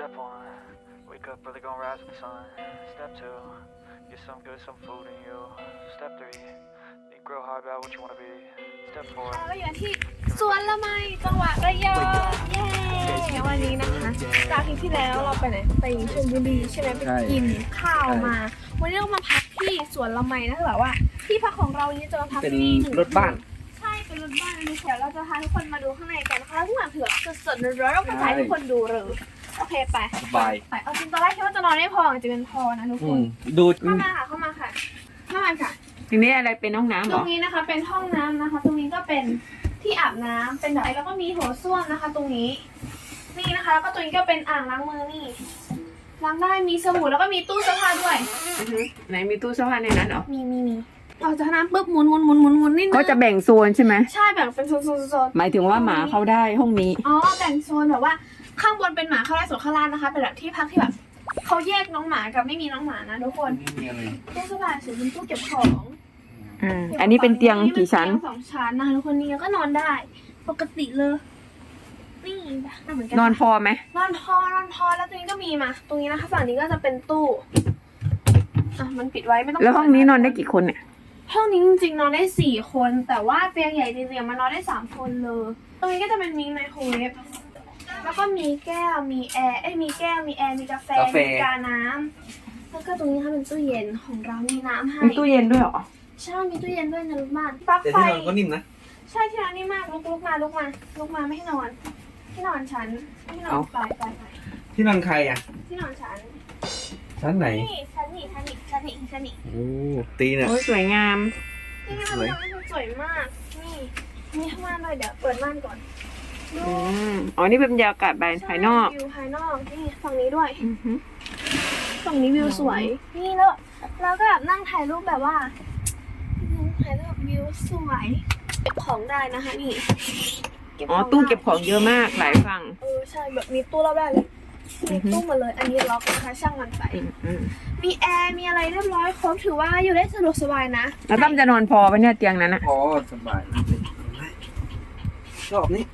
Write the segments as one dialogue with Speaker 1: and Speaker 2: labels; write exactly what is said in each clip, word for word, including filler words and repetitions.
Speaker 1: Step one, wake up early, gonna rise with the sun. Step two, get some good, some food in you. Step three, you grow hard about what you wanna be. Step four.
Speaker 2: เราอยู่ที่สวนละไมจังหวัดระยองเย้วันนี้นะคะจากที่ที่แล้วเราไปไหนไปชลบุรีใช่ไหมไปกินข้าวมาวันนี้เรามาพักที่สวนละไมนะคือแบบว่าที่พักของเรานี้จะมาพักที่รถบ้านใช่เป็นรถบ้านดูเดี๋ยวเราจะพาทุกคนมาดูข้างในกันนะคะทุกอย่างเถื่อนสดๆร้อนๆเราจะพาทุกคนดูเลยโอเคไป
Speaker 3: บาย
Speaker 2: ไปเอาจริงตอนแรกคิดว่าจะนอนไม่พอจะเป็นพอนะทุกคน
Speaker 3: ดู
Speaker 2: เข้ามาค่ะเข้ามาค่ะเข้ามาค่ะ
Speaker 4: ทีนี้อะไรเป็นห้องน้ำหรอ
Speaker 2: ตรงนี้นะคะเป็นห้องน้ำนะคะตรงนี้ก็เป็นที่อาบน้ำเป็นแบบแล้วก็มีโถส้วมนะคะ ตรงนี้นี่นะคะแล้วก็ตรงนี้ก็เป็นอ่างล้างมือนี่ล้างได้มีสบู่แล้วก็มีตู้เสื้อผ้าด้วย
Speaker 4: ไหนมีตู้เสื้อผ้าในนั้นหรอ
Speaker 2: มีมีมีเอาจากน้ำปุ๊บหมุนหมุนหมุนหมุนหมุนนี่
Speaker 4: ก็จะแบ่งโซนใช่ไหม
Speaker 2: ใช่แบ่งเป็นโซนโซนโซน
Speaker 4: หมายถึงว่าหมาเข้าได้ห้องนี้
Speaker 2: อ๋อแบ่งโซนแบบว่าข้างบนเป็นหมาเข้าได้ส่วนข้างล่างนะคะเป็นแบบที่พักที่แบบเขาแยกน้องหมากับไม่มีน้องหมานะทุกคนตู้เสื้อผ้าสูงเป็นตู้เก็บของ
Speaker 4: อืมอันนี้เป็นเตียงกี่ชั้น
Speaker 2: สองชั้นนะคะทุกคนนี่ก็นอนได้ปกติเลยนี่เหมือนกัน
Speaker 4: นอนพอไหม
Speaker 2: นอนพอนอนพอแล้วตรงนี้ก็มีมาตรงนี้นะคะฝั่งนี้ก็จะเป็นตู้อ่ะมันปิดไว้ไม่ต้อง
Speaker 4: แล้วห้องนี้นอนได้กี่คนเนี่ย
Speaker 2: ห้องนี้จริงๆนอนได้สี่คนแต่ว่าเตียงใหญ่จริงๆมันนอนได้สามคนเลยตรงนี้ก็จะเป็นมีไมโครเวฟแล้วก็มีแก้วมีแอร์เอ้ยมีแก้วมีแอร์มีกาแฟมีกาน้ำแล้วก็ตรงนี้ค่ะเป็นตู้เย็นของเรามีน้ำให้
Speaker 4: มีตู้เย็นด้วยหรอ
Speaker 2: ใช่มีตู้เย็นด้วยนะลูกบ้านปลั๊กไฟ
Speaker 3: แต่ที่นอนก็นิ่มนะ
Speaker 2: ใช่ที่นอนนิ่มมากลุกลุกมาลุกมาลุกมาไม่ให้นอนที่นอนฉันที่นอนไปไปไป
Speaker 3: ที่นอนใครอ่ะ
Speaker 2: ที่นอนฉัน
Speaker 3: ชั้นไหน
Speaker 2: นี่ชั้นนี่ชั้นนี่ชั้นนี่ชั้นนี่
Speaker 3: โอ้ตีเนี่ย
Speaker 4: โอ้ยสวยงาม
Speaker 2: นี่มันมันสวยมากนี่นี่ข้างล่างเลยเดี๋ยวเปิดม่านก่อน
Speaker 4: อืมอ๋อนี่เป็นบรรยากาศภายนอก
Speaker 2: วิวภายนอกนี่ฝั่งนี้ด้วยฝั่งนี้วิวสวยนี่แล้วแล้วก็แบบนั่งถ่ายรูปแบบว่าถ่ายรูปวิวสวยเก็บของได้นะคะนี่
Speaker 4: อ๋อตู้เก็บของเยอะมากหลายฝั่ง
Speaker 2: เออใช่แบบมีตู้รอบได้เลยมีตู้หมดเลยอันนี้ล็อกนะคะช่างมันไปมีแอร์มีอะไรเรียบร้อยครบถือว่าอยู่ได้สะดวกสบายนะ
Speaker 4: แล้วตั้มจะนอนพอปะเนี่ยเตียงนั้นนะ
Speaker 3: พอสบายชอบนี่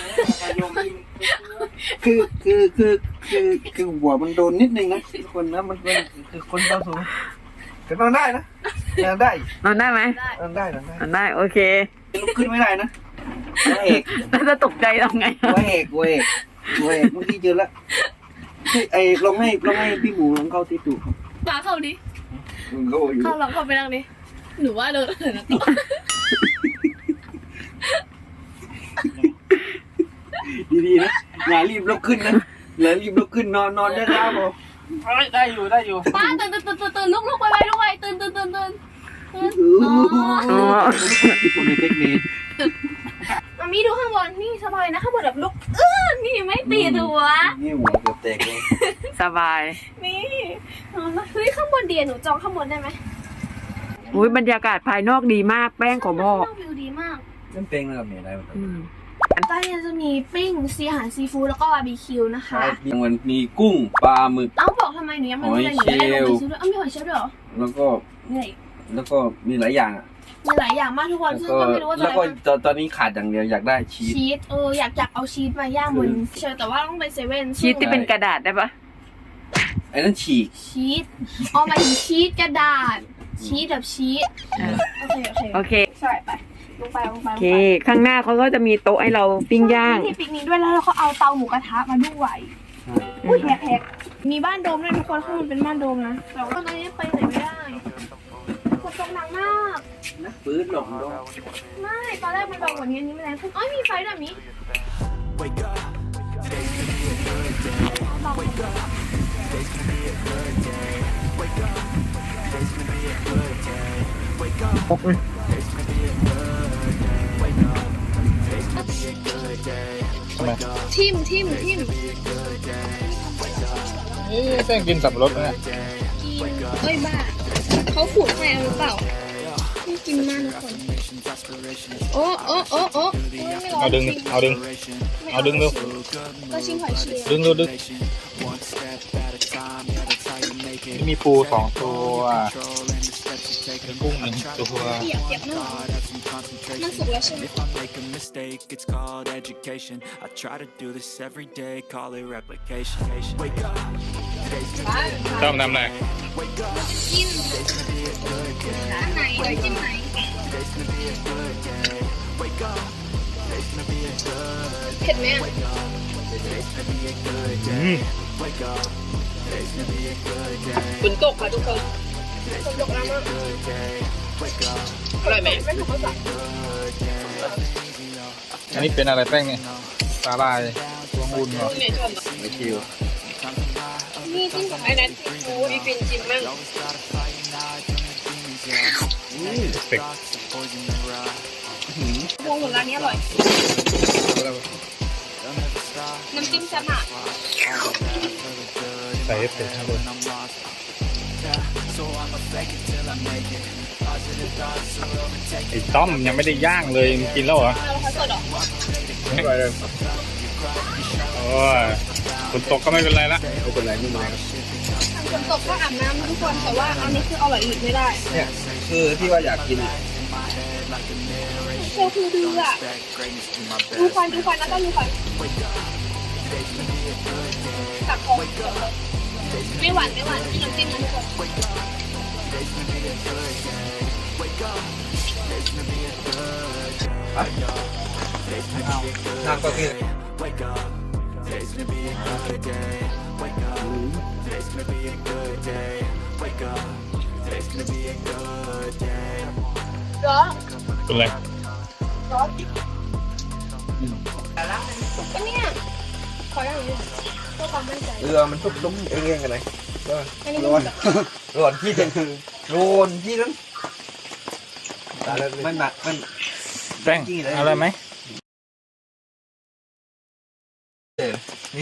Speaker 3: คือคือคือคือคือหัวมันโดนนิดนึงนะคนนะมันเป็นคือคนเบาสูงแต่นอนได้นะนอนได้
Speaker 4: นอนได้ไหม
Speaker 3: นอนได้นอนได้
Speaker 4: นอนได้โอเค
Speaker 3: ลุกขึ้นไม่ได้นะหัวเอก
Speaker 4: แล้วจะตกใจทำไง
Speaker 3: หัวเอกหัวเอกหัวเอกเมื่อกี้เจอแล้วไอ้ลองให้ลองให้พี่หมูลองเข้าที่ตูด
Speaker 2: ปาเข้าดิเข้าลองเข้าไปนั่งดิหนูว่าเดินนะ
Speaker 3: ดีๆนะอย่ารีบลุกขึ้นนะอย่ารีบลุกขึ้นนอนนอนได้แล้วพอได้อยู่ได้อยู่
Speaker 2: ป้าตื่นตื่นตื่นตื่นลุกลุกไปไปลุกไปตื่นตื่นตื่นตื่น
Speaker 4: อ๋อ
Speaker 3: คนในเทคนิค
Speaker 2: มามีดูข้างบนนี่สบายนะข้างบนแบบลุกเออนี่ไม่ตีหัว
Speaker 3: นี่หัวเกือบแตกเลย
Speaker 4: สบาย
Speaker 2: นี่เฮ้ยข้างบนเดียหนูจองข้างบนได้ไหม
Speaker 4: อุ้ยบรรยากาศภายนอกดีมากแป้งของพ่อ
Speaker 2: วิวดีมาก
Speaker 3: นั่นเป็นอะไรมีอะไรบ้าง
Speaker 2: ใต้เนี่ยจะมีปิ้งซีอาหารซีฟู้ดแล้วก็บาร์บีคิวนะคะ
Speaker 3: มันมีกุ้งปลาหมึก
Speaker 2: เอ้าบอกทำไมหนูยังไม่รู้เลยหนูไม่ได้ลงไปซื้อด้วยเอ้ามีหอยเชลล์ด้วยเหรอ
Speaker 3: แล้วก็แล้วก็มีหลายอย่างอ่ะ
Speaker 2: มีหลายอย่างมากทุกคนซึ่งก็ไม่รู้ว่าจะ
Speaker 3: แล้วก็ตอนนี้ขาดอย่างเดียวอยากได้ชีส
Speaker 2: ชีสเอออยากอยากเอาชีสมาย่างบนเชลล์แต่ว่าต้องไปเซเว่น
Speaker 4: ชีสที่เป็นกระดาษได้ปะ
Speaker 3: ไอ้นั่นฉีก
Speaker 2: ชีสอ๋อหมายถึงชีสกระดาษชีสแบบชีสโอเคโอเค
Speaker 4: โอเค
Speaker 2: ใช่ไปลงไปลงไป
Speaker 4: โอเคข้างหน้าเขาก็จะมีโต๊ะให้เราปิ้งย่าง
Speaker 2: ที่ปิกนิกด้วยแล้วเราก็เอาเตาหมูกระทะมาด้วยอุ้ยแพกๆมีบ้านโดมด้วยทุกคนข้างบนเป็นบ้านโดมนะแต่ว่าตอนนี้ไปไหนไม่ได้ฝนตกหนักมาก
Speaker 3: นะปื้นหลงลง
Speaker 2: ไม่ตอนแรกมันแบบวันนี้นี้ไม่แรงขึ้นอ๋อมีไฟแบบนี้
Speaker 4: ปกเลย
Speaker 2: ทิมทิมทิม
Speaker 3: นี่แป้งกินสับปะรดนะ
Speaker 2: กินเอ้ยบ้าเขาขูดให้เอาหรือเปล่าไม่กินมากทุกคนโอ้โอ้โอ้โอ้
Speaker 3: เอาดึงเอาดึงเอาดึงเร็ว
Speaker 2: ก็ชิมหอยเชลล์
Speaker 3: ดึงดูดึงมีปูสองตัวกุ้งหนึ่งตัว
Speaker 2: เปียกเปียกมากมันสุกแล้วใช่ไหม
Speaker 1: If I make a mistake, it's called education. I try to do this every day, call it replication. Wake up, today's the day.
Speaker 5: ต้องทำอะไร
Speaker 1: Wake up,
Speaker 2: จิ้ม
Speaker 1: today's gonna be a good day.
Speaker 2: อันไหนเดี๋ยวจิ้มไหน
Speaker 1: Today's gonna be a good day. Wake up, today's gonna be a good day.
Speaker 2: เผ็ดไหมอ่ะ
Speaker 1: Today's gonna be a good day. Wake up, today's gonna be a good day.
Speaker 2: ฝนตกค่ะทุกคนฝนตกแล้วมาก
Speaker 1: Good day. Wake up,
Speaker 2: อร่อยไหมไม่ถูกภาษา
Speaker 1: good day.
Speaker 5: อันนี้เป็นอะไรแป้งเนี่ยสาลายตัวงุ่นเหรอ
Speaker 2: เนี่ยชอบอ่ะ
Speaker 3: ไม่คิว
Speaker 2: นี่จิ้มกับไอ้นั้นซีฟู้ดอีฟินจิ้มมั่ง
Speaker 5: เป็ก
Speaker 2: พวงหมดร้านนี้อร่อย น้ำจิ้มแซ่บมาก
Speaker 5: ใส่เอฟเฟกต์ข้างบน ไอ้ต้อมยังไม่ได้ย่างเลยมึงกินแล้วเหรอ
Speaker 2: เอาแล้วเขาสดเหรอ
Speaker 5: ไม่ไหวเลยโอ้ยฝนตกก็ไม่เป็นไรละ
Speaker 3: ไม่เป็นไรไม่เป็นไรครับ
Speaker 2: ทำฝนตกก็อาบน้ำทุกคนแต่ว่าอันนี้คืออร่อยอีกไม่ได้
Speaker 3: เนี่ยคือที่ว่าอยากกิน
Speaker 2: โคคือดื้ออ่ะดูควันดูควันนะต้องดูควันตักคอไม่หวานไม่หวานที่น้ำจิ้มนะทุกคน
Speaker 3: น้ำก็คือ
Speaker 1: Wake up, today's gonna be a good day. Wake up, today's gonna be a good day. Wake up, today's gonna be a good day.
Speaker 2: ร้อน
Speaker 5: เป็นไร
Speaker 2: ร้อนก็เนี่ยขออย่างนี้เพื่อความมั่นใจ
Speaker 3: เรือมันทุบลุ้มเองๆกันไหนก็
Speaker 2: อันนี้
Speaker 3: ร้อน
Speaker 2: มัน
Speaker 3: ร้อนที่เด็กร้อนที่นั้นมันหนักมัน
Speaker 5: แป้งอะไรไหม
Speaker 3: เออนี่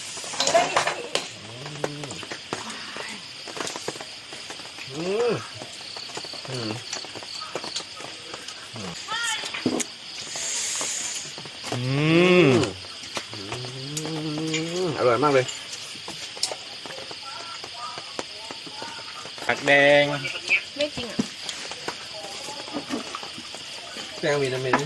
Speaker 3: อืมอืม
Speaker 5: อืม
Speaker 3: อร่อยมากเลย
Speaker 5: ผักแดง
Speaker 2: ไม่จริงอ่ะ
Speaker 3: แป้งมีน้ำมัน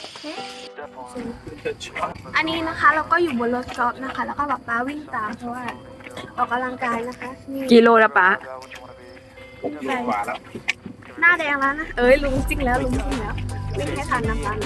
Speaker 2: อันนี้นะคะเราก็อยู่บนรถกอล์ฟนะคะ แล้วก็แบบป้าวิ่งตามเพราะว่าออกกำลังกายนะคะนี่
Speaker 4: กิโลละปะ
Speaker 2: ไปหน้าแดงแล้วนะเอ้ยลุงจริงแล้วลุงจริงแล้ววิ่งให้ทันน้ำตาล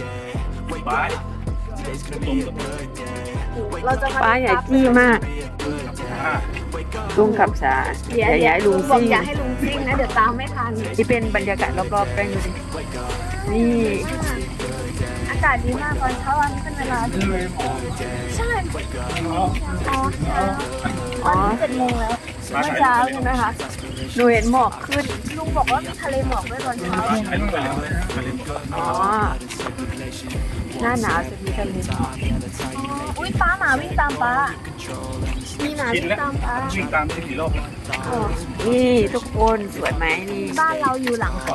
Speaker 2: เราจะมา
Speaker 4: ป้าใหญ่จี้มาก ลุงขับช้า
Speaker 2: เดี๋ยว
Speaker 4: อย่า
Speaker 2: เดี๋
Speaker 4: ย้าย
Speaker 2: ยว
Speaker 4: ลุ
Speaker 2: ลุ
Speaker 4: ง
Speaker 2: งบอก
Speaker 4: ซิ่ง
Speaker 2: อย่าให้ลุงซิ่งนะเดี๋ยวตามไม่ทัน
Speaker 4: ที่เป็นบรรยากาศรอบๆแป้งดูสินี่
Speaker 2: อากาศดีมากตอนเช้าวันนี้เป็นเวลาดีใช่อ๋อเช้า
Speaker 4: อ๋อ
Speaker 2: เจ็ดโมงแล้ว
Speaker 4: เมื่อเช้าใช่ไหมคะหนูเห็นหมอกขึ้น
Speaker 2: ลุงบอกว่ามีทะเลหมอกด้วยตอนเช้า
Speaker 4: อ๋อ หน้าหนาวจะมีทะเลหมอก
Speaker 2: อุ้ยป้าหมาวิ่งตามป้ามีหมาวิ่งตามป้า
Speaker 5: วิ่งตามที่ผีโลก
Speaker 2: อ๋อ
Speaker 4: นี่ทุกคนสวยไหมนี่
Speaker 2: บ้านเราอยู่หลังเขา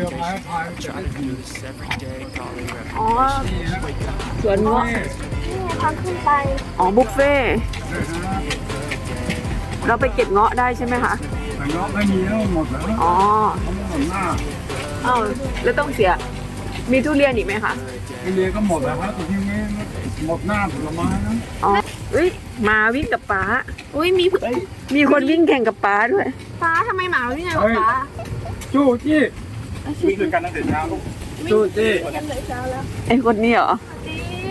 Speaker 4: อ๋อ สวนเงาะ
Speaker 2: นี่ไงทางขึ้นไป
Speaker 4: อ๋อ บุฟเฟ่ต์เราไปเก็บเงาะได้ใช่ไหมคะ
Speaker 5: แต่เงาะไม่มีแล้วหมดแล้ว
Speaker 4: อ๋อ
Speaker 5: เขาไม่หมดหน้า
Speaker 4: อ้าวแล้วต้องเสีย มีทุเรียนอีกไหมคะ
Speaker 5: ทุเรียนก็หมดแล้วครับแต่ที่นี้หมดหน้าผลไม้นะ
Speaker 4: อ๋อเอ้ยหมาวิ่งกับป้า
Speaker 2: อุ้ยมี
Speaker 4: มีคนวิ่งแข่งกับป้าด้วย
Speaker 2: ป้าทำไมหมาวิ่งไงวะป้า
Speaker 5: จู้จี้วิ่งด้วยกันตั้งแต่เช้าลูกจู้จี้
Speaker 2: กันเลยเช้าแล้ว
Speaker 4: ไอคนนี้เหรอ
Speaker 2: ดี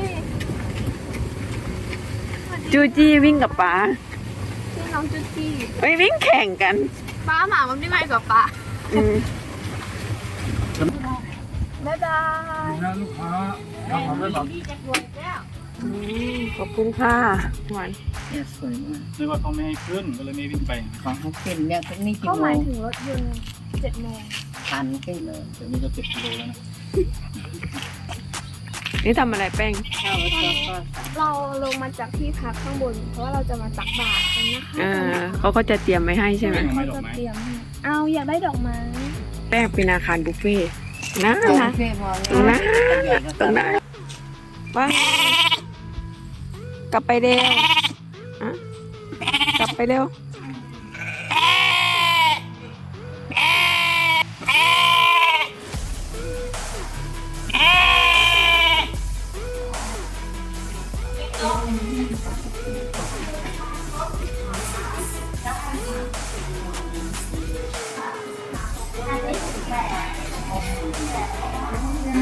Speaker 4: จูจี้วิ่งกับป้า
Speaker 2: พี่น้องจุจี้
Speaker 4: ไม่วิ่งแข่งกัน
Speaker 2: ป้าหมามันไม่ไงกับป้า
Speaker 4: อืม
Speaker 2: บ๊ายบาย
Speaker 5: นะลูกค้าถ้าทำได้แบบ
Speaker 2: ดีจะรวยแล้ว
Speaker 4: อืมขอบคุณค่ะหวาน
Speaker 6: สวยมาก
Speaker 5: นึกว่าเขาไม่ให้ขึ้นก็เลยไม่วิ่งไป
Speaker 6: ของเขาขึ้นเนี่ยตรงนี้กี่
Speaker 2: ก็
Speaker 6: โม
Speaker 2: หมาย
Speaker 6: ง
Speaker 2: ถึงรถยนต์เจ็ดโมง
Speaker 6: พันขึ้นเลย
Speaker 5: เดี๋ยวนี้ก็เจ็ดกิโลแล้วนะ
Speaker 4: นี่ทำอะไรแป้ง
Speaker 6: เข้าวก็ก็
Speaker 2: เราลงมาจากที่พักข้างบน เพราะว่าเราจะมาตักบาตรกันนะคะ
Speaker 4: เออเขาก็จะเตรียมไว้ให้ใช่ไหม
Speaker 2: เขาจะเตรียมให้เอาอยากได้ดอกไม้
Speaker 4: แป้งเป็นอาคารบุฟเฟ่ต์นะ
Speaker 6: ตรง
Speaker 4: นะ
Speaker 6: เฟ่พอ
Speaker 4: ตรงนั้น
Speaker 6: ใหญ่ก็
Speaker 4: ตรงนั้นว่ากลับไปเร็วอะกลับไปเร็ว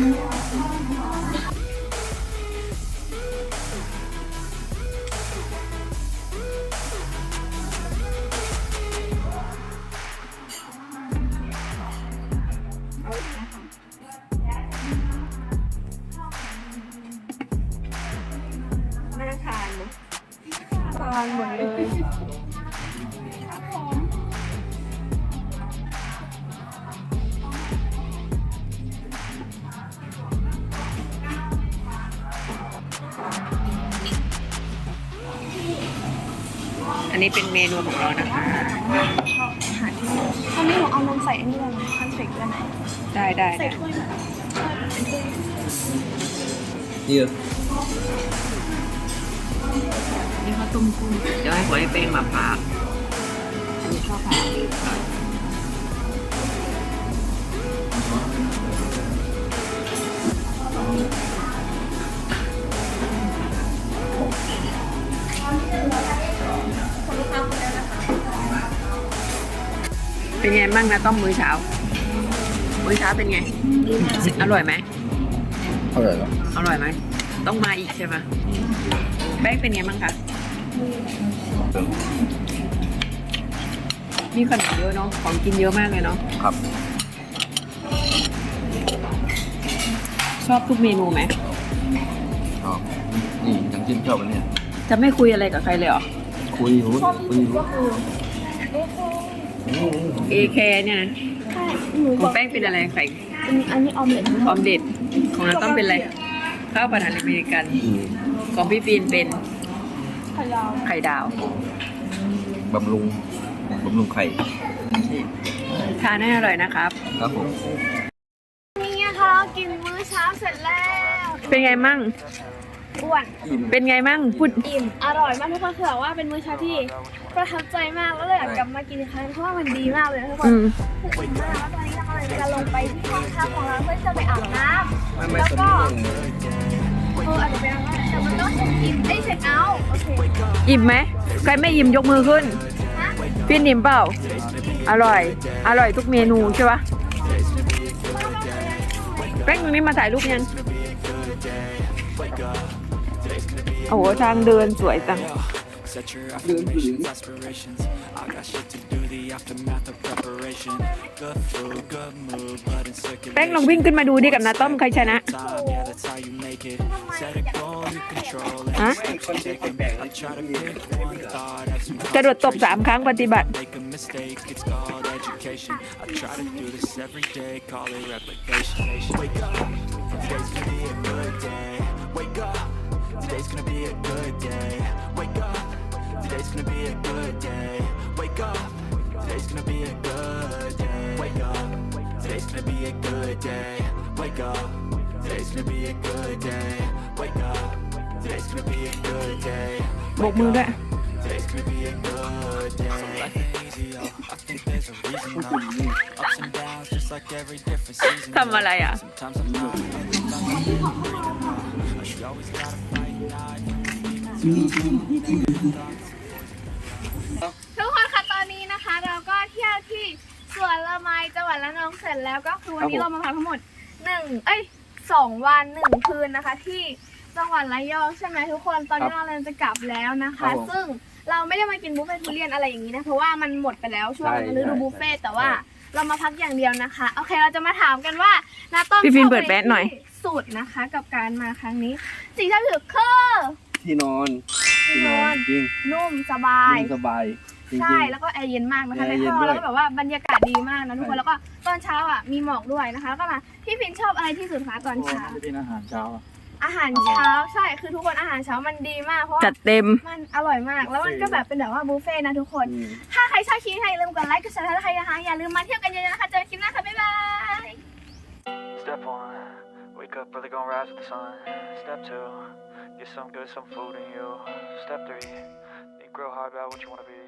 Speaker 2: น่าทานนะทานหมดเลย
Speaker 4: อันนี้เป็นเมนูของเรานะคะ
Speaker 2: ตอนนี้หนูเอานมใส่อันนี้เลยนะคอนเฟกต์ด้วยนะ
Speaker 4: ได้ได้
Speaker 2: ใส่
Speaker 4: ได้
Speaker 2: ถ้วยแบบถ้วยแบบเป็นถ้วย
Speaker 3: นี่เหรอ
Speaker 4: นี่เขาต้มกุ้งเดี๋ยวให้หัวไอ้เป้งมาพากอันนี้ข้าวผัดเป็นไงบ้างนะต้มมื้อเช้า มื้อเช้าเป็นไง อร่อยไหม
Speaker 3: อร่อยเหรอ
Speaker 4: อร่อยไหม ต้องมาอีกใช่ไหมแป้งเป็นไงบ้างคะ มีขนมเยอะเนาะ ของกินเยอะมากเลยเนาะ
Speaker 3: ครับ
Speaker 4: ชอบทุกเมนูไหม
Speaker 3: อ๋อนี่ยังจิ้มชอบอันเนี้ย
Speaker 4: จะไม่คุยอะไรกับใครเลยเหรอ
Speaker 3: คุยอยู่คุยอยู่
Speaker 2: ก็คือ
Speaker 4: เอแคเนี่ยนะ
Speaker 2: ใช่หนู
Speaker 4: ข
Speaker 2: บ
Speaker 4: อ
Speaker 2: อง ก
Speaker 4: แป้งเป็นอะไรไข่
Speaker 2: เป็นอันนี้ออมเล็ต
Speaker 4: ออมเด็ด ของน้ำต้มเป็นอะไร ข้าวผัดอาหารอเมริกัน
Speaker 3: อืม
Speaker 4: ของพี่ฟีนเป็น
Speaker 2: ไข่ดาว
Speaker 4: ไข่ดาว
Speaker 3: บำรุงบำรุงไข่
Speaker 4: ทานให้อร่อยนะครับ
Speaker 3: ครับผม
Speaker 2: นี่นะคะเรากินมื้อเช้าเสร็จแล้ว
Speaker 4: เป็นไงมั่ง
Speaker 2: อ้วน
Speaker 4: เป็นไงมั่งพูด
Speaker 2: อิ่มอร่อยมากทุกคนคือแบบว่าเป็นมื้อเช้าที่ประทับใจมากแล้วเลยอยากกลับมากินอีกครั้งเพราะว่ามันดีมากเลยนะทุกคน
Speaker 4: อืม
Speaker 2: อิ่มมากแล้วตอนนี้เรากำลังจะลงไปที่ห้องพักของเราเพื่อจะไปอาบน้ำ
Speaker 3: ไม่ไม่
Speaker 2: แล้ว
Speaker 3: สม
Speaker 2: ก็
Speaker 3: มติ
Speaker 2: เอออาจจะไปอาบน้ำแต่มันต้องเช็คอินเอ้ยเช็คเอาท์โอเค
Speaker 4: อิ่มไหม ใครไม่อิ่มยกมือขึ้น
Speaker 2: นะ
Speaker 4: ฟีนอิ่มเปล่า อร่อย อร่อยทุกเมนูใช่ปะแป้งตรงนี้มาถ่ายรูปยัง โอ้โหทางเดินสวยจัง
Speaker 7: Set your affirmations, aspirations. I got shit to do, the aftermath of preparation. Good food, good mood, blood in
Speaker 4: แป้งลอง
Speaker 7: circulation.
Speaker 4: วิ่งขึ้นมาดูดิกับนาต้อมใครชนะ
Speaker 7: Time, yeah, that's how you make it. Set a goal, you control it.
Speaker 4: Huh?
Speaker 7: Steps you take 'em. I try to pick one thought, have some
Speaker 4: กระโดดตบสามครั้งปฏิบัติ
Speaker 7: make a mistake, it's called education. I try to do this every day, call it replication. Wake up, today's gonna be a good day. Wake up, today's gonna be a good day. Wake up, today's gonna be a good day. Wake up, today's gonna be a good day. Wake up, today's gonna be a good day. Wake up, today's gonna be a good day. Wake up, today's gonna be a good day.
Speaker 4: โบกมือด้วย
Speaker 7: Today's gonna be a good day. So life ain't easy, yo. I think there's a reason though. Ups and downs, just like every different season.
Speaker 4: ทำอะไรอ่ะ
Speaker 7: Sometimes I'm not, sometimes I'm not. You always gotta fight night.
Speaker 2: ทุกคนคะตอนนี้นะคะ เราก็เที่ยวที่สวนละไมจังหวัดระนองเสร็จแล้วก็คือวันนี้เรามาพักทั้งหมดหนึ่งเอ้ยสองวันหนึ่งคืนนะคะ ที่จังหวัดระยองใช่ไหมทุกคนตอนนี้เรากำลังจะกลับแล้วนะคะ ซึ่งเราไม่ได้มากินบุฟเฟ่ต์ทุเรียนอะไรอย่างนี้นะเพราะว่ามันหมดไปแล้วช่วงฤดูบุฟเฟ่ต์แต่ว่าเรามาพักอย่างเดียวนะคะโอเคเราจะมาถามกันว่านาต้อม
Speaker 4: พี่ฟิล์ม
Speaker 2: ชอบ
Speaker 4: เปิดแบตหน่อย
Speaker 2: ที่สุดนะคะ กับการมาครั้งนี้ สิ่งที่ถือคือ
Speaker 3: ที่นอน
Speaker 2: ที่นอน
Speaker 3: จริง
Speaker 2: นุ่มสบาย
Speaker 3: ยิ่งสบายจริง
Speaker 2: ใช่แล้วก็แอร์เย็นมากนะคะ
Speaker 3: แอ
Speaker 2: ใน
Speaker 3: ร์เย็น
Speaker 2: ห้อง
Speaker 3: ด้วย
Speaker 2: แล้วก็แบบว่าบรรยากาศดีมากนะทุกคนแล้วก็ตอนเช้าอ่ะมีหมอกด้วยนะคะแล้วก็มาพี่ฟินชอบอะไรที่สุดคะตอนเช้า
Speaker 5: เป็นอาหารเช้า
Speaker 2: อาหารเช้าใช่คือทุกคนอาหารเช้ามันดีมากเพราะว่า
Speaker 4: จัดเต็ม
Speaker 2: มันอร่อยมาก แล้วมันก็แบบเป็นแบบว่าบุฟเฟ่ต์นะทุกคน
Speaker 3: อืม
Speaker 2: ถ้าใครชอบคลิปนี้อย่าลืมกดไลค์กดแชร์ถ้าใครนะคะอย่าลืมมาเที่ยวกันเยอะๆนะคะเจอกันคลิปหน้าค่ะบ๊ายบาย
Speaker 1: Step one, wake up early, gonna rise with the sun. Step two, get some good, some food in you. Step three, think real hard about what you wanna be.